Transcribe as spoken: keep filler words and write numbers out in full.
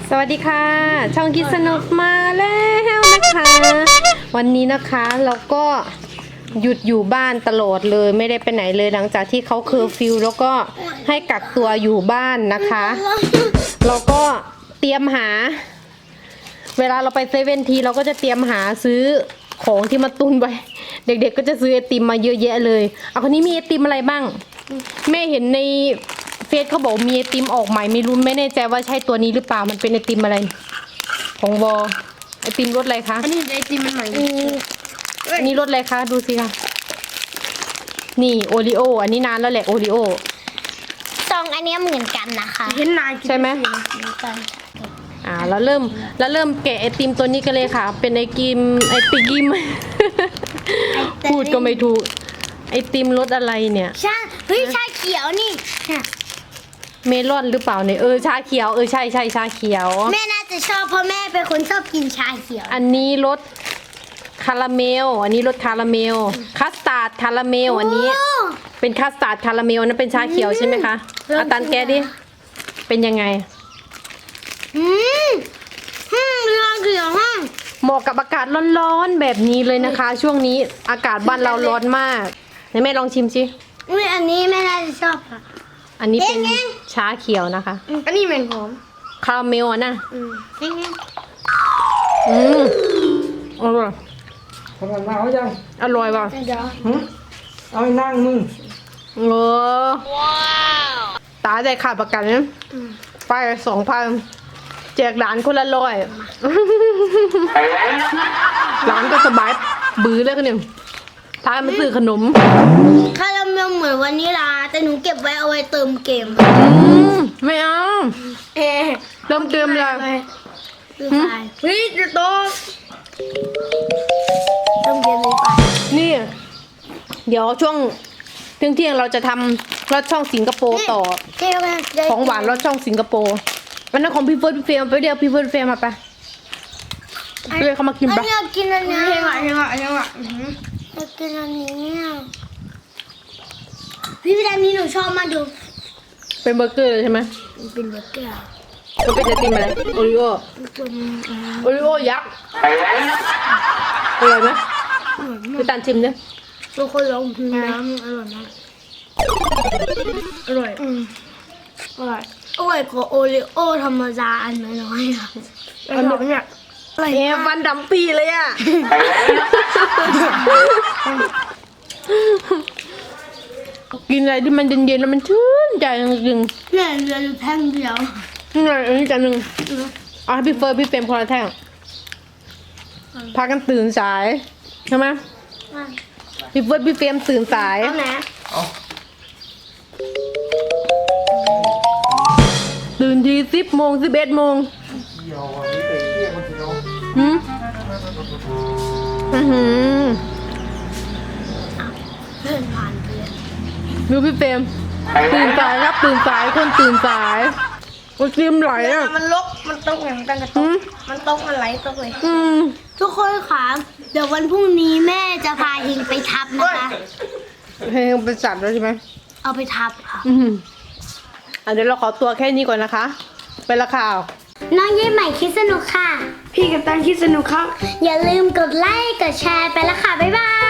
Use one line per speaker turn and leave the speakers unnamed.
สวัสดีค่ะช่องคิดสนุกมาแล้วนะคะวันนี้นะคะเราก็หยุดอยู่บ้านตลอดเลยไม่ได้ไปไหนเลยหลังจากที่เขาเคอร์ฟิวแล้วก็ให้กักตัวอยู่บ้านนะคะเราก็เตรียมหาเวลาเราไปเซเว่นทีเราก็จะเตรียมหาซื้อของที่มาตุนไว้เด็กๆ ก็จะซื้อไอติมมาเยอะแยะเลยเอาคนนี้มีไอติมอะไรบ้างแม่เห็นในเฟซเขาบอกมีไอติมออกใหม่ไม่รู้ไม่แน่ใจว่าใช่ตัวนี้หรือเปล่ามันเป็นไอติมอะไรของวอไอติมรสอะไรคะ
อันนี้ไอติมมันใหม่
อันนี้รสอะไรคะดูสิคะนี่โอริโออันนี้นานแล้วแหละโอริโอ
ซองอันนี้เหมือนกันนะคะ
เห็นนาย
ใช่ไหม
เหมือนกัน
อ่าแล้วเริ่มแล้วเริ่มแกะไอติมตัวนี้กันเลยค่ะเป็นไอติมไอติกิมพูดก็ไม่ถูกไอติมรสอะไรเนี่ย
ชาเฮ้ยชาเขียวนี่
เมลอนหรือเปล่าเนี่ยเออชาเขียวเออใช่ใช่ชาเขียว
แม่น่าจะชอบเพราะแม่เป็นคนชอบกินชาเขียว
อันนี้รสคาราเมลอันนี้รสคาราเมลคัสตาร์ดคาราเมลอันนี้เป็นคัสตาร์ดคาราเมลนั่นเป็นชาเขียวใช่ไหมคะอาตันแกดิเป็นยังไง
อืมอืมชาเขียวห้าง
เหมาะกับอากาศร้อนๆแบบนี้เลยนะคะ ช่วงนี้อากาศบ้านเราร้อนมากไหนแม่ลองชิมสิ
อุ้ยอันนี้แม่น่าจะชอบค่ะ
อันนี้เป็นชาเขียวนะคะ
อันนี้เหม็นหอม
คาราเมลอ่ะนะ
อืม
อืมอร่อย
ทำงานมาเขายัง
อร่อยป่ะ
เอาให้นั่งมึง
เออตาใจขาดประกันนะไปสองพันแจกหลานคนละร้อยหลานก็สบายบื้อเลยคนหนึ่งท้ายมาซื้อขนม
คาราเมลเหมือนวานิลาแต่หนูเก็บไว้เอาไว้เติมเกม
ไม่เอา
เอ
เติมเกมเลย
เฮ้ยจะโตเติมเกมเลยไป
นี่เดี๋ยวช่วงเที่ยงเที่ยงเราจะทำรสช่องสิงคโปร์ต่อของหวานรสช่องสิงคโปร์วันนั้นของพี่เฟิร์สพี่เฟรมไปเดียวพี่เฟิร์สเฟรมมาไปเรียกเขามากินปะ
อยากกินอันนี้
เฮงอ่ะเฮงอ่ะเฮงอ่ะ
อยากกินอันนี้พี่พี่ดามีหนูชอบมาดู
เป็นเบอร์เกอร์เลยใช่ไหม
เป็นเบอร์เกอร์
มันเป็นไอติมอะไรโอริโอโอริโอยักษ์อร่อยไหมไปตันชิมเนี่ย
ทุกคนลองกินน้ำอร่อยมาก
อร่อย
อร่อยอร่อยกว่าโอริโอธรรมดาอันน้อยๆค่ะ
อันนี้เนี่ย
อะไรเนี่ยฟันดำปีเลยอ่ะกินอะไรที่มันเย็นๆแล้วมันชื่นใจจริง
ๆเนี่ยเหลืออยู่แท่งเดียว
นี่ไงอันนี้จานหนึ่งอ๋อพี่เฟิร์นพี่เฟรมคนละแท่งพากันตื่นสายใช่ไหมพี่เฟิร์นพี่เฟรมตื่นสาย
เอาไหน
ตื่นทีสิบโมงสิบเอ็ดโมงหืมอือหือ
เดินผ่านไปเลย
ดูพี่เฟรมตื่นสายครับตื่นสายคนตื่นสายมันซิมไหลอ่ะ
มันลกมันตกอย่างกันกระตกมันตกมันไหลตกเลย
อืม
ทุกคนค่ะเดี๋ยววันพรุ่งนี้แม่จะพาเฮงไปทับนะคะ
เฮงเป็นสัตว์แล้วใช่ไหม
เอาไปทับค่ะ
อืมอ่ะเดี๋ยวเราขอตัวแค่นี้ก่อนนะคะไปละข่าว
น้องเย่ใหม่คิดสนุกค่ะ
พี่กับตันคิดสนุกครับ
อย่าลืมกดไลค์กดแชร์ไปละค่ะบ๊ายบาย